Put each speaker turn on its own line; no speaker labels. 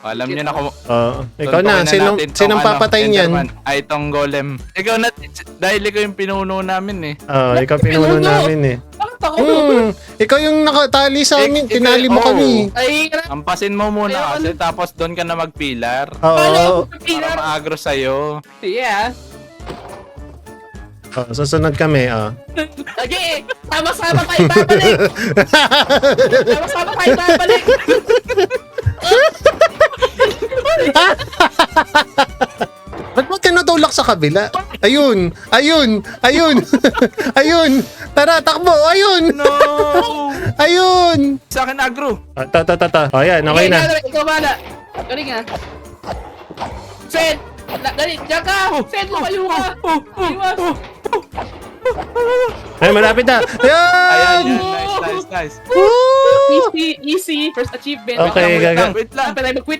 Alam niyo na kung...
Ikaw na. Sinong papatay niyan?
Ay, itong golem. Ikaw na, dahil ikaw yung pinuno namin eh.
Ikaw pinuno namin eh.
Bakit ako?
Ikaw yung nakatali sa amin. Tinali mo kami.
Ay,
Ampasin mo muna kasi tapos doon ka na magpilar.
Oo.
Para maagro sa'yo.
yeah.
Susunod kami.
Lagi, sama-sama tayo babalik. Sama-sama tayo babalik.
Ba't mo tinutulak sa kabila? Ayun! Ayun! Ayun! Ayun! Tara, takbo! Ayun!
No!
Ayun!
Sa akin agro.
Ta. Ayan, okay na.
Ikaw bala. Galing nga. Send! Dali, diyan ka! Send, lumayo ka! Iwas!
Ay, malapit na!
Ayan,
Ayan!
nice.
Woo!
Easy! First achievement.
Okay,
Wait
gaga.
lang.
Dapat tayo mag-quit.